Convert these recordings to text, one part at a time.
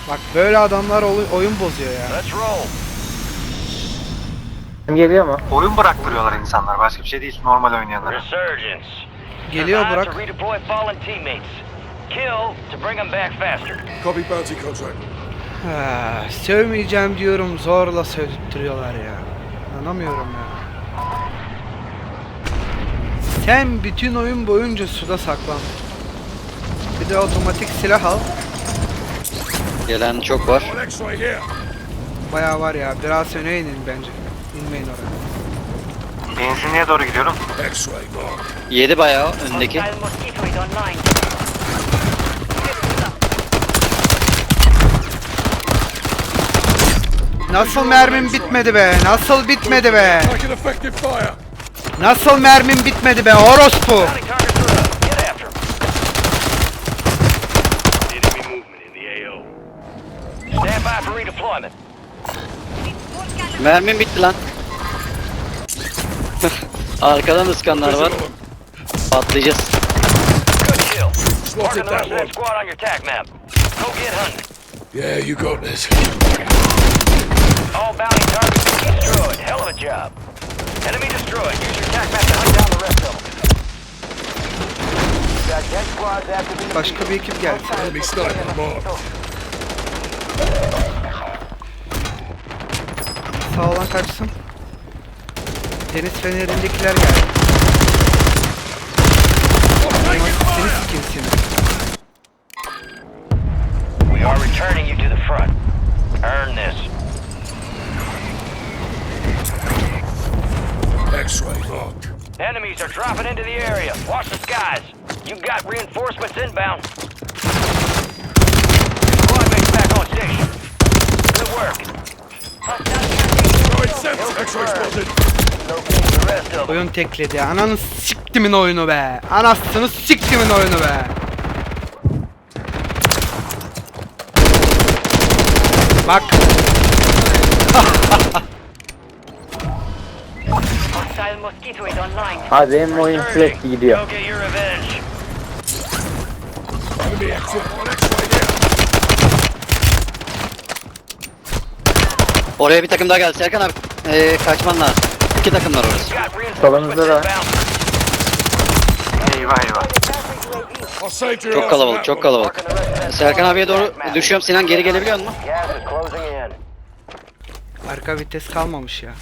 Bak böyle adamlar oyun bozuyor ya. Let's roll. Geliyor mu? Oyun bıraktırıyorlar insanlar. Başka bir şey değil. Normal oynayanlar. Resurgence. Geliyor Survive Burak. to redeploy fallen teammates. Kill to bring them back faster. Copy bounty contract. Ha, sövmeyeceğim diyorum zorla sövdürtüyorlar ya. Anlamıyorum ya. Sen bütün oyun boyunca suda saklan. Bir de otomatik silah al. Gelen çok var. On X-ray here. Bayağı var ya. Biraz öne inin bence. İnmeyin oraya. Benzinliğe doğru gidiyorum. X-ray mark. Yedi bayağı öndeki. Hostile mosquito is online. Nasıl mermim bitmedi be? Nasıl bitmedi be? Taking effective fire. Nasıl mermim bitmedi be? Orospu. Bounty targets are up. Get after them. Enemy movement in the AO. Stand by for redeployment. Mermim bitti lan. Arkadan ıskanlar var. Patlayacağız. Good kill. Spotted Marking the that rest of that one. squad on your tac map. Go get hunting. Yeah, you got this. All bounty targets destroyed. Hell of a job. Enemy destroyed. Use your tac map to hunt down the rest of them. Got 10 squads active in the Başka bir ekip geldi. Enemy sniper mark. Sağ olan kaçsın. Deniz fenerindekiler geldi. Seni sikeyim seni. We are returning you to the front. Earn this. X-ray marked. Enemies are dropping into the area. Watch the skies. You've got reinforcements inbound. Squad mates back on station. Good work. Throwing sense. X-ray spotted. Locate the rest of them. Oyun tekledi. Ananı siktimin oyunu be. Anasını siktimin oyunu be. Bak. Hostile mosquito is online. Abi benim oyun sürekli gidiyor. Go get your revenge. Enemy active on X-ray here. Oraya bir takım daha geldi. Serkan abi kaçman lazım. İki takım var orası. Got reinforcements Solumuzda da. inbound. Eyvah eyvah. I saved your Çok ass kalabalık, on çok that one. kalabalık. Serkan abiye doğru düşüyorum. Sinan geri gelebiliyor musun? Gas is closing in. Arka vites kalmamış ya.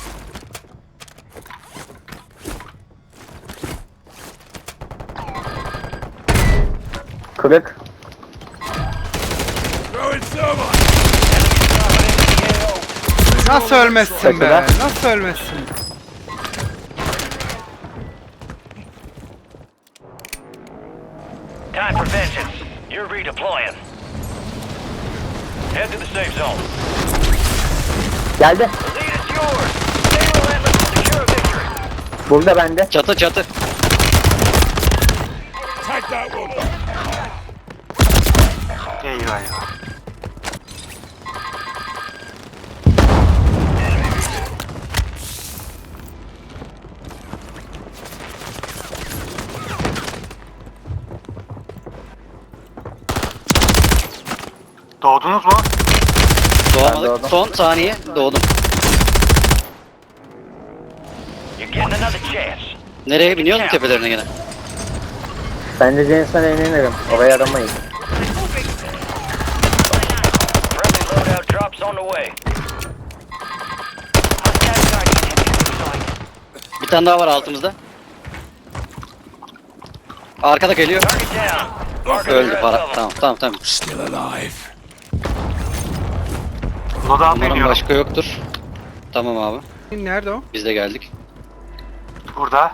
Kırık. Throwing thermite. Nasıl ölmezsin be? Kaçıda? Nasıl ölmezsin? Time for vengeance. You're redeploying. Head to the safe zone. Geldi. The lead is yours. Stay relentless to secure a victory. Burada bende. Çatı çatı. Take that one. Eyvah eyvah. Doğdunuz mu? Doğamadık. doğdum. Son saniye doğdum. You're getting another chance. Nereye biniyor mu tepelerine gene? Ben de Jensen'e inirim. Oraya aramayız. Friendly loadout drops on the way. Hostile target has been destroyed. Bir tane daha var altımızda. Arkada geliyor. Target down. Marking the Öldü rest para. of them. Tamam. Still alive. Loadout Umarım iniyorum. başka yoktur. Tamam abi. Nerede o? Biz de geldik. Burada.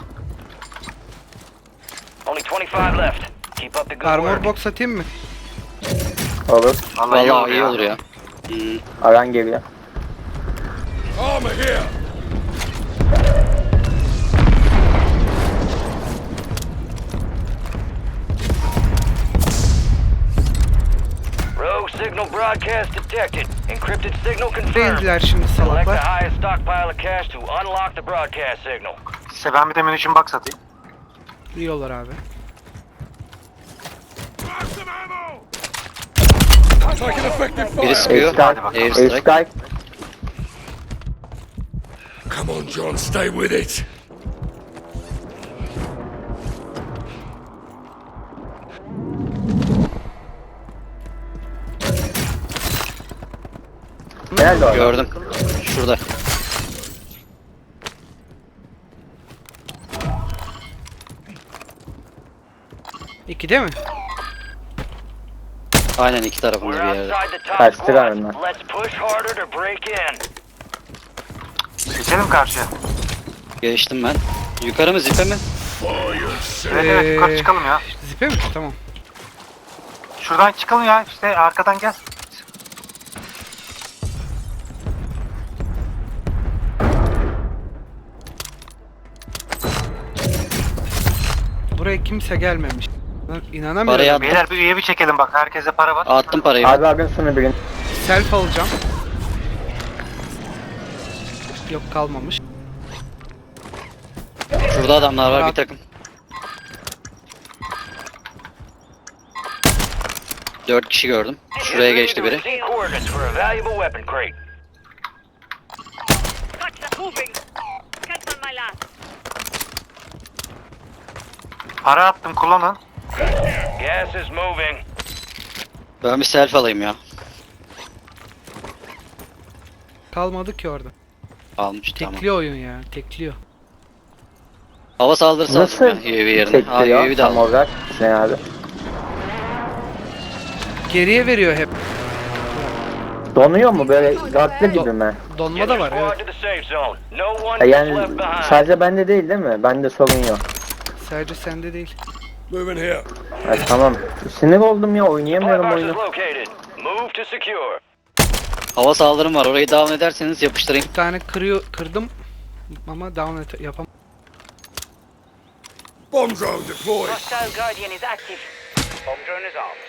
Only 25 left. Keep up the good Armor work. box atayım mı? Olur. Vallahi, Vallahi iyi olur ya. Aran geliyor. Armor here. Rogue signal broadcast detected. Encrypted signal confirmed. Değildiler şimdi Select the salaklar. highest stockpile of cash to unlock the broadcast signal. Size ben bir de munition box atayım. İyi olur abi. Grab some ammo. Taking effective Biri fire. sıkıyor. Airstrike. Airstrike. Come on, John, stay with it. Nerede o? Gördüm. Şurada. İkide mi? Aynen iki tarafında We're bir yerde. outside the top Kaçtı squad. galiba. Let's push harder to break in. Geçelim karşıya. Geçtim ben. Yukarı mı zipe mi? Evet evet yukarı çıkalım ya. Zipe mi? Tamam. Şuradan çıkalım ya işte arkadan gel. Buraya kimse gelmemiş. Lan İnanamıyorum. Parayı attım. Beyler bir üye bir çekelim bak herkese para var. Attım parayı. Abi abim şunu bilin. Self alacağım. Yok kalmamış. Şurada adamlar var bir takım. 4 kişi gördüm. Şuraya geçti biri. Receive coordinates for a valuable weapon crate. Gotcha, moving. Cancel my last. Para attım kullanın. Gas is moving. Ben bir selfie alayım ya. Kalmadı ki orada. Almış tamam. Tekliyor oyun ya. Tekliyor. Hava saldırısı Nasıl aldım ya UAV yerine. Ha çektiriyor UAV de tam aldım. olarak? Ne abi? Geriye veriyor hep. Donuyor mu böyle gazlı gibi mi? Donma Get da your var squad evet. to the safe zone. No one is Yani left behind. sadece bende değil mi? Bende sorun yok. Sadece sende değil. Moving here. Ay, tamam. Sinir oldum ya Supply oynayamıyorum box is oyunu. located. Move to secure. Hava saldırım var. Orayı devam ederseniz yapıştırayım. Bir tane kırdım ama yapam. Bomb drone deployed. Hostile Guardian is active. Bomb drone is armed.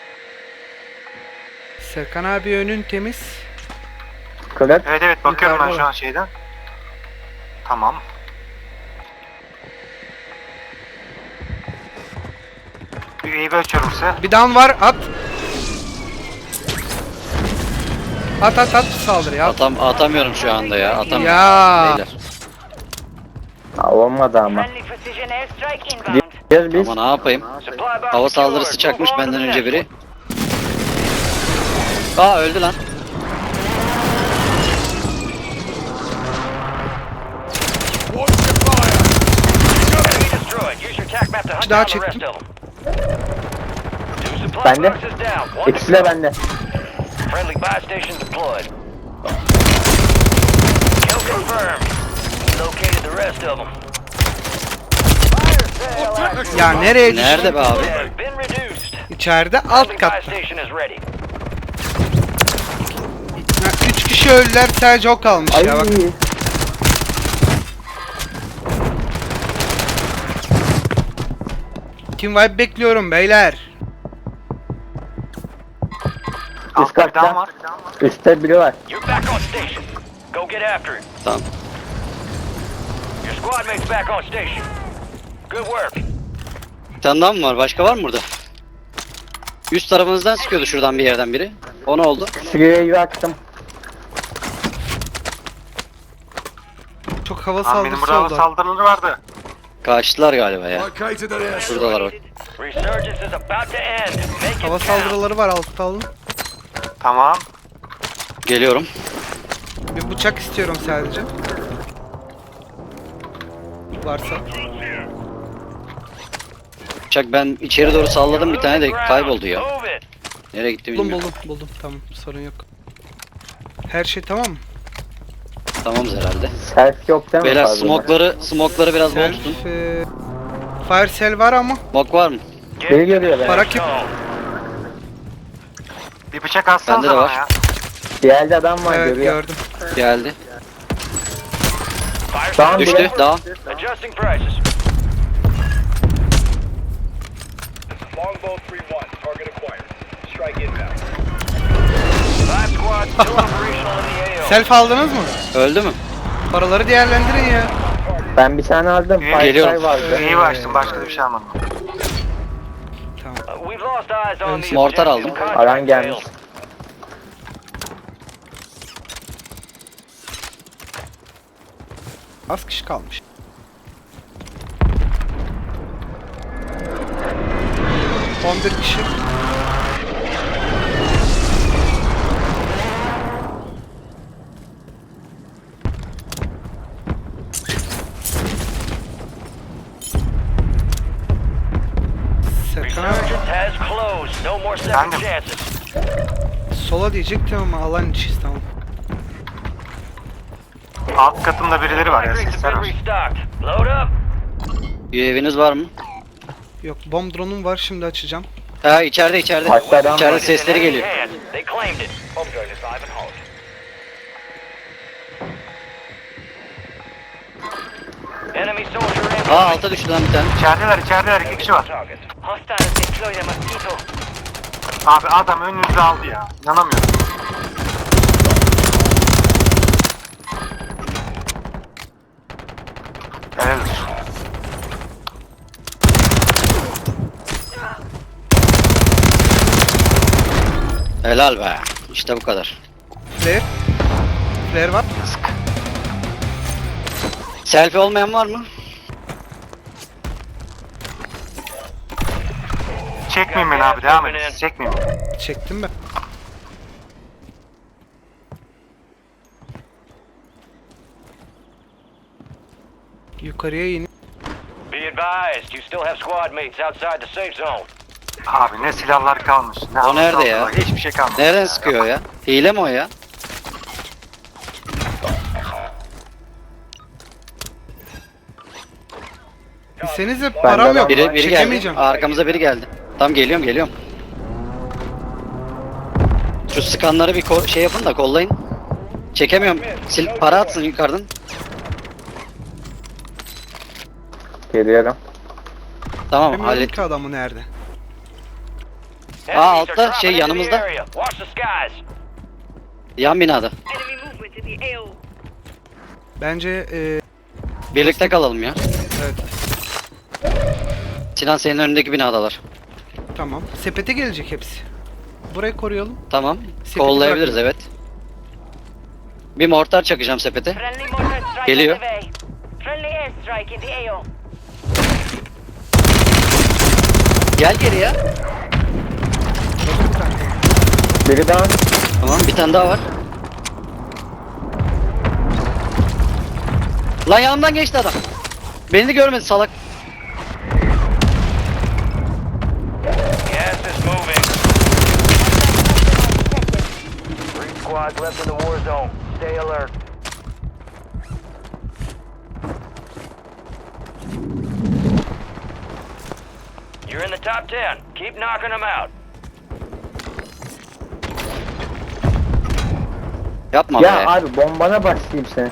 Serkan abi önün temiz. Kırık. Evet evet bakıyorum ben Yukarıda şu var. an şeyden. Tamam. Bir üyeyi açıyorum size. Bir down var at. At saldırı at. Atamıyorum şu anda ya. Atamıyorum. Ya. Beyler. Ha, olmadı ama. Friendly precision airstrike inbound. Gideceğiz biz. Ama ne yapayım? Supply box Hava secured. saldırısı çakmış Move on to benden the önce next biri. Aa öldü lan. Watch your fire. one. Enemy destroyed. Use your tac map to hunt Daha down the rest çektim. of them. Two supply Bende. boxes down. One to İkisi de go. bende. Friendly buy station deployed. Kill confirmed. Located the rest of them. Fire sale Ya nereye düştün? Nerede be abi? has been reduced. İçeride alt Friendly buy katta. station is ready. Ya, 3 kişi öldüler sadece o kalmış Ay. ya bak. Team Vibe bekliyorum beyler. Üst Altta bir daha katta. var. Üstte biri var. You're back on station. Go get after it. Tamam. Your squad mate's back on station. Good work. Bir tane daha mı var? Başka var mı burada? Üst tarafınızdan sıkıyordu şuradan bir yerden biri. O ne oldu? Şuraya yaktım. Çok hava Lan benim saldırısı burada hava oldu. saldırıları vardı. Kaçtılar galiba ya. Located an airstrike. Şuradalar bak. Resurgence is about to end. Make it Hava count. saldırıları var altta alın. Tamam. Geliyorum. Bir bıçak istiyorum sadece. Varsa. Bıçak ben içeri doğru salladım bir tane de kayboldu ya. Move it. Nereye gitti Buldum bilmiyorum. buldum. Tamam sorun yok. Her şey tamam mı? Tamamız herhalde. Self yok değil mi? Beyler fazla? smokları biraz bol tutun. Self, fire cell var ama Smoke var mı? Get Biri geliyor be. para kim? zone. Bir bıçak atsanıza Bende de bana var. ya. Bir yerde adam var Evet görüyor. gördüm. Geldi. Fire Tamam, sale Düştü. biri. Daha. Adjusting prices. Longbow 3-1, target acquired. Strike inbound. 5 squads still operational in the AO. Self aldınız mı? Öldü mü? Paraları değerlendirin ya. Ben bir tane aldım. Geliyorum. Firefly vardı. Üyeyi açtım başka da bir şey almadım. Tamam. We've lost eyes on these Mortar objectives. aldım. Contract Alan gelmiş. failed. Az kişi kalmış. ...11 kişi. Serkan abi, Resurgence has closed. No more second Efendim? chances. sola diyecektim ama alan içiyiz, tamam. Alt katımda birileri var ya, Hydrates sesler have been var. restocked. Load up. UAV'niz var mı? Yok, bomb drone'um var, şimdi açacağım. Ha içeride içeride. Başka adam İçeride var. sesleri geliyor. They claimed it. Home drone is live and hot. Enemy soldier in. Aa alta düştü lan bir tane. İçerideler 2 kişi var. Target. Hostiles deploy the mosquito. Abi adam önünüzü aldı ya. İnanamıyorum. Helal olsun. Helal be. İşte bu kadar. Flare. Flare var. Selfie olmayan var mı? Çekmeyin beni abi, devam edin. Çekmeyin beni. Çektim ben. Yukarıya in. Be advised, you still have squad mates outside the safe zone. Abi ne silahlar kalmış. Ne O nerede altı ya? var, hiçbir şey kalmadı. Nereden sıkıyor ya? Hile mi o ya? Bilsenize param yok. Biri geldi. Çekemeyeceğim. Arkamıza biri geldi. Tam geliyorum. Şu sıkanları bir şey yapın da kollayın. Çekemiyorum. Para atsın yukarıdan. Geliyorum. Tamam Bilmiyorum hallet. ki adamı nerede. Enemies are altta, dropping şey, into the yanımızda. area. Watch the skies. Yan binada. Enemy movement in the AO. Bence Birlikte kalalım ya. evet, Sinan senin önündeki binadalar. tamam. Sepete gelecek hepsi. Burayı koruyalım. Tamam. Sepeti Kollayabiliriz bırakın. evet. Bir mortar çakacağım sepete. Friendly mortar strike Geliyor. on the way. Friendly airstrike in the AO. Gel geri ya. Bakın bir tane. Biri daha. Tamam bir tane daha var. Lan yanımdan geçti adam. Beni de görmedi salak. Gas is moving. 3 squads left in the war zone. Stay alert. You're in the top 10. Keep knocking them out. Yapma Ya be. abi bombana başlayayım seni.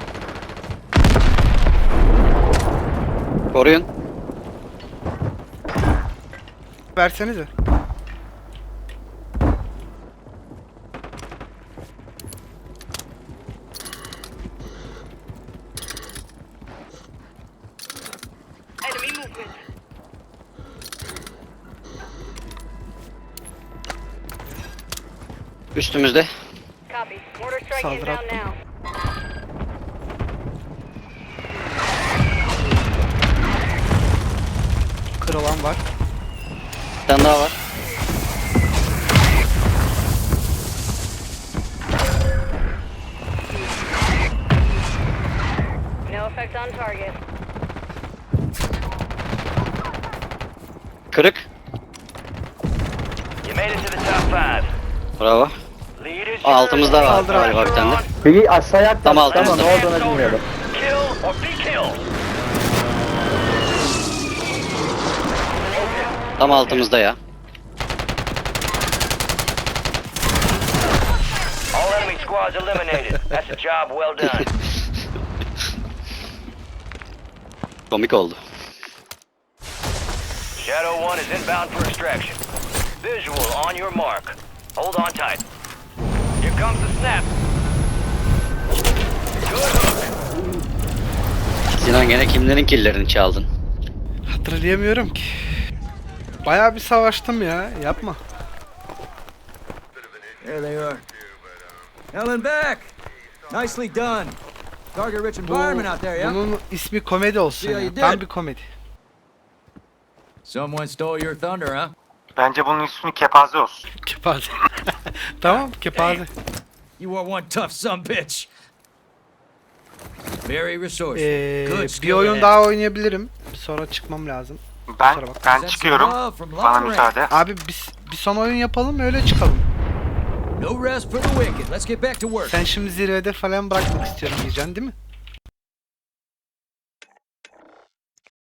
Koruyun. Versenize. Enemy movement. Üstümüzde. Copy. Mortar strike Saldırı inbound attım. now. Kırılan var. Bir tane daha var. No effect on target. Kırık. You made it to the top 5. Bravo. Lead is Altımızda var Saldır abi. galiba bir tane de. Biri aşağıya atladı Tam ama altımızda. ne olduğunu bilmiyorum. Kill or be killed. Tam altımızda ya. All enemy squads eliminated. That's a job well done. Komik oldu. Shadow 1 is inbound for extraction. Visual on your mark. Hold on tight. Here comes the snap. Good hook. Sinan gene kimlerin killerini çaldın? Hatırlayamıyorum ki. Bayağı bir savaştım ya. Yapma. There they are. Hell and back! Nicely done. Target rich environment out there, yeah? Bunun ismi komedi olsun See how ya. you Tam did. bir komedi. Someone stole your thunder, huh? Bence bunun ismi kepaze olsun. Kepaze. Tamam kepaze. You are one tough son bitch. Very resourceful. Good Bir skill oyun to daha have. oynayabilirim. Sonra çıkmam lazım. Ben Kusura bak. ben Send some çıkıyorum. love from Bana long range. müsaade. Abi biz bir son oyun yapalım öyle çıkalım. No rest for the wicked. Let's get back to work. Sen şimdi zirvede falan bırakmak istiyorum diyeceksin değil mi?